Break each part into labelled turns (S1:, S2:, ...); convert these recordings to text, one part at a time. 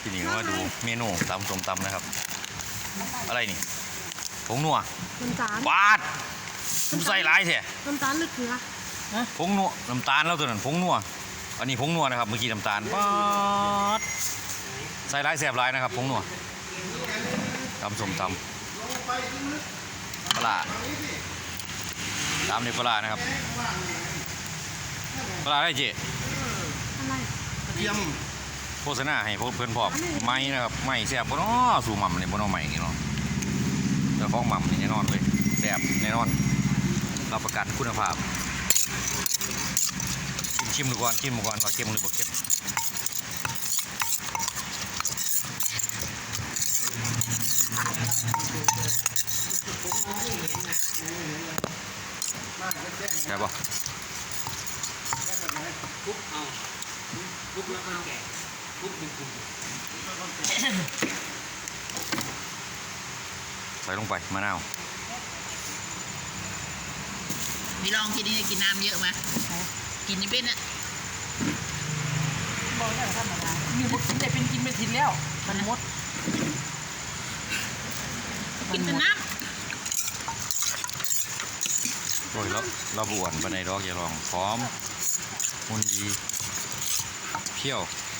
S1: ทีนี้มาดูเมนูตำส้มตำนะครับอะไรนี่ผงนัว
S2: น้ำตาล
S1: บาดใส่หลายแท้
S2: น้ำตาลหรือเกลือ
S1: ผงนัวน้ำตาลแล้วตัวนั้นผงนัวอันนี้ผงนัวนะครับเมื่อกี้น้ำตาลบาดใส่หลายแสบหลายนะครับผงนัวตำส้มตำปลาตามในปลานะครับปลาได้เจ๊
S2: อะไร
S3: เยี่ยม
S1: โฆษณาให้เพื่อนพอบไม้นะครับไม้แซ่บบ่เนาะสู่หม่ำนี่บ่เนาะไม้นี่เนาะเจ้าของหม่ำนี่แน่นอนเลยแซ่บแน่นอนรับประกันคุณภาพชิมดูก่อนชิมดูก่อนว่าเค็มหรือบ่เค็มแซ่บบ่
S3: คุกเอาคุกแล้วมันแก่คุกเป็นกลุ่ม
S1: ใส่ลงไปมะนาว
S4: พี่ลองกินนี่กินน้ำเยอะไหมกินนี่เป็นอะ
S2: บอกได้ธรรมดามีบุกกินได้เป็นกินไม่ทิ้งแล้วมันมด
S4: กินแต่น้
S1: โอ้ยแล้วเราบวนไปในดอกอย่าลองพร้อมหุ่นดีเพี้ยว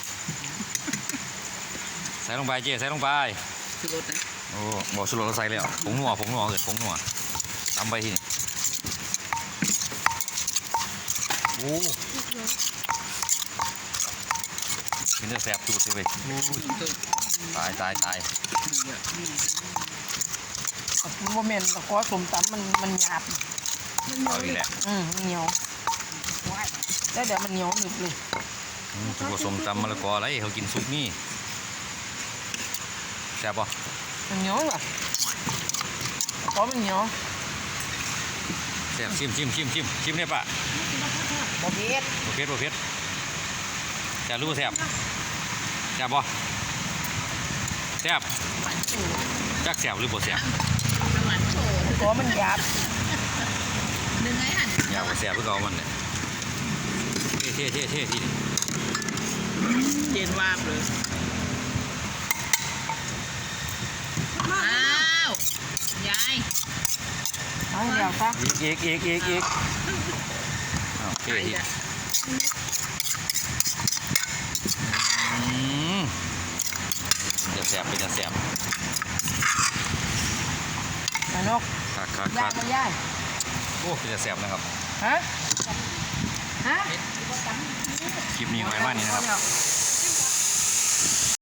S1: ใส่ลงไปเจ๊ใส่ลงไป
S4: ำคือรสนะ
S1: โอ้บอกสุดเราใส่เลยอ่ะผงนัวเกิดผงนัวตำไปที่นี่โอ้เป็นเนื้อแซ่บจุดเลยตาย
S2: โมเมนต์ตะกอสมตำมันหยาบ
S1: เอาอีกแหละ
S2: เหนียวแล้วเดี๋ยวมันเหนียวหนึบเลย
S1: จุดผสมตำมะละกออะไรเขากินซุปนี่แซ่บป่ะ
S2: มันเหนียวเหรอตะกอมันเหนียว
S1: แซ่บชิมเนี่ยป่ะ
S2: บ่เผ็ด
S1: โอเคแซ่บรู้แซ่บป่ะแซ่บ
S4: หวานโชว์
S1: จักแซ่บหรือบ่แซ่บ
S4: หวานโชว์
S2: ตะกอมันหยาบ
S4: นึงไงหัน
S1: อยากว่าแซ่บเพื่อเอามันเนี่ยเท่ที่นี่
S4: เย็นวาบเลยอ้าวยาย
S2: เอาเดี๋ยวซะ
S1: อีกโอเคที่จะแซ่บเป็นจะแซ่บ
S2: มานก
S1: คัก
S2: ย่ายมาย่าย
S1: โอ้เป็นจะแซ่บนะครับ
S2: ฮะ
S1: คลิปนี้ไว้ว่านี้นะครับ
S2: เอา